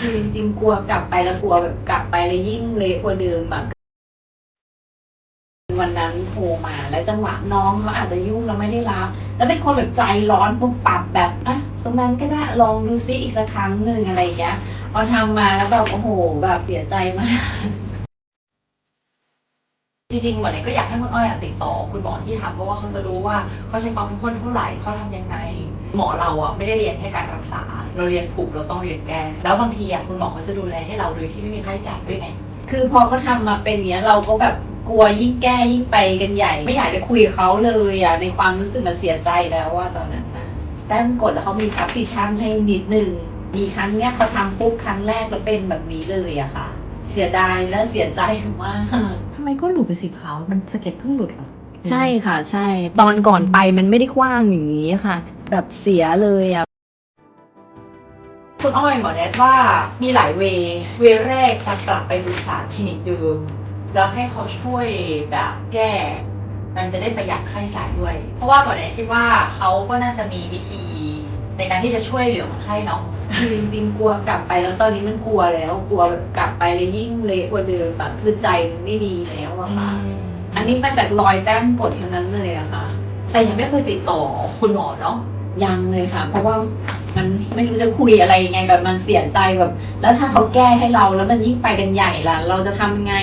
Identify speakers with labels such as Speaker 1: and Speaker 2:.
Speaker 1: คือจริงๆกลัวกลับไปแล้วกลัวแบบกลับไปแล้วยิ่งเละกว่าเดิมแบบวันนั้นโทรมาแล้วจังหวะน้องเขาอาจจะยุ่งแล้วไม่ได้รับแล้วเป็นคนแบบใจร้อนปุ๊บปับแบบอ่ะตรงนั้นก็ได้ลองดูซิอีกสักครั้งหนึ่งอะไรอย่างเงี้ยพอทำมาแล้วแบบโอ้โหแบบเสียใจมาก
Speaker 2: จริงๆวันนี้ก็อยากให้คุณอ้อยติดต่อคุณหมอที่ทำเพราะว่าเขาจะรู้ว่าเขาใช้ความเข้มข้นเท่าไหร่เขาทำยังไงหมอเราไม่ได้เรียนแค่การรักษาเราเรียนถูกเราต้องเรียนแก้แล้วบางทีคุณหมอเขาจะดูแลให้เราโดยที่ไม่มีค่าใช้จ่ายด้วยไง
Speaker 1: คือพอเขาทำมาเป็นอย่างเงี้ยเราก็แบบกลัวยิ่งแก้ยิ่งไปกันใหญ่ไม่อยากจะคุยกับเขาเลยในความรู้สึกมันเสียใจแล้วว่าตอนนั้นนะแต้มกดแล้วเขามีซับซิชั่นให้นิดนึงมีครั้งเนี้ยเขาทำปุ๊บครั้งแรกแล้วเป็นแบบนี้เลยอะค่ะเสียดายและเสียใจมาก
Speaker 2: ทำไมก็หลุดไปสีขาวมันสะเก็ดเพิ่งหลุดเหรอ
Speaker 1: ใช่ค่ะใช่ตอนก่อนไปมันไม่ได้กว้างอย่างนี้ค่ะแบบเสียเลยอะ
Speaker 2: คุณอ้อยหมอแนะว่ามีหลายเวแรกจะกลับไปปรึกษาคลินิกเดิมแล้วให้เขาช่วยแบบแก้มันจะได้ประหยัดค่าใช้จ่ายด้วย เพราะว่าหมอแนะคิดว่าเขาก็น่าจะมีวิธีในการที่จะช่วยเหลือคนไข้เนาะ
Speaker 1: คือจริงๆกลัวกลับไปแล้วตอนนี้มันกลัวแล้วกลัวแบบกลับไปแล้วยิ่งเละกว่าเดิมแบบคือใจมันไม่ดีแล้วอะค่ะอันนี้มาจากรอยแต้มกดทั้งนั้นเลยอะค่ะ
Speaker 2: แต่ยังไม่เคยติดต่อคุณหมอเนาะ
Speaker 1: ยังเลยค่ะเพราะว่ามันไม่รู้จะคุยอะไรยังไงแบบมันเสียใจแบบแล้วถ้าเขาแก้ให้เราแล้วมันยิ่งไปกันใหญ่ล่ะเราจะทำยังไง